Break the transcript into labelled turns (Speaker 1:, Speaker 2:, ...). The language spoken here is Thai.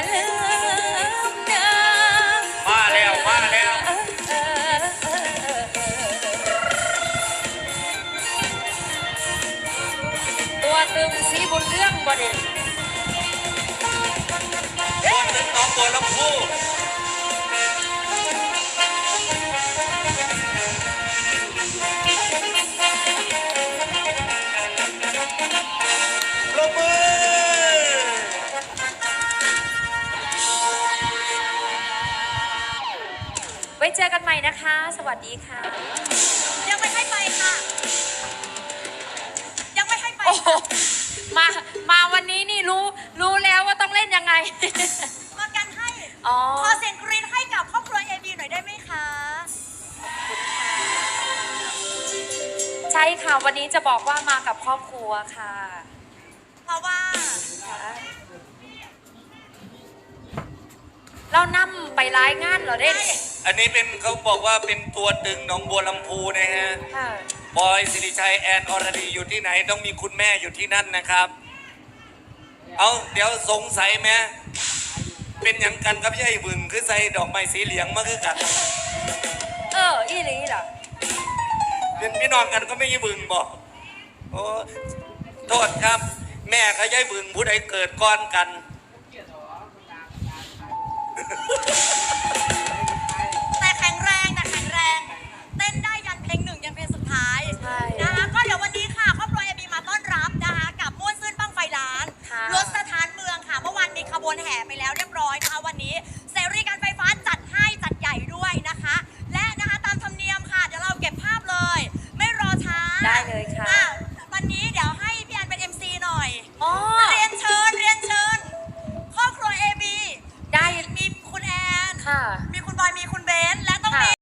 Speaker 1: ลืมเดิม
Speaker 2: มาแล้วมาแล้ว
Speaker 1: ตัวตึงสีบุญเรื่องบ่เด่น
Speaker 2: ตัวตึงน้องบัวลำพูปรบมือ
Speaker 1: ไว้เจอกันใหม่นะคะ สวัสดีค่ะ
Speaker 3: ยังไม่ให้ไปค่ะยังไม่ให้ไป
Speaker 1: มาวันนี้นี่รู้แล้วว่าต้องเล่นยังไง
Speaker 3: มากันให้ขอเสียงกรี๊ดให้กับครอบครัว AB หน่อยได้ไหมคะ
Speaker 1: ใช่ค่ะวันนี้จะบอกว่ามากับครอบครัวค่ะ
Speaker 3: เพราะว่า
Speaker 1: เรานำไปร้ายงานเหรอเด้
Speaker 2: อันนี้เป็นเขาบอกว่าเป็นตัวตึงหนองบัวลำพูนะฮะบอยสิริชัยแอนอรดีอยู่ที่ไหนต้องมีคุณแม่อยู่ที่นั่นนะครับเอาเดี๋ยวสงสัยไหมเป็นอย่างกันกับยายบึงคือใส่ดอกไม้สีเหลืองมาคือกัน
Speaker 1: อีหลีเหรอ
Speaker 2: เป็นพี่น้องกันก็ไม่ยายบึงบอกโอ้โทษครับแม่กับยายบึงผู้ใดเกิดก่อนกัน
Speaker 3: แต่แข็งแรงเต้นได้ยันเพลงหนึ่งยันเพลงสุดท้ายนะคะก็เดี๋ยววันนี้ค่ะครอบครัว AB มาต้อนรับนะคะกับม่วนซื่นบั้งไฟล้านรถสถานเมืองค่ะเมื่อวานมีขบวนแห่ไปแล้วเรียบร้อยนะคะวันนี้เสรีการไฟฟ้าจัดให้จัดใหญ่ด้วยนะคะและนะคะตามธรรมเนียมค่ะเดี๋ยวเราเก็บภาพเลยไม่รอช้า
Speaker 1: ได้เลยค่ะ
Speaker 3: วันนี้เดี๋ยวให้พี่แอนเป็น MC หน่อยเรียนเชิญครอบครัว AB ได้มีคุณแอนมีคุณบอยมีคุณเบนและต้องมี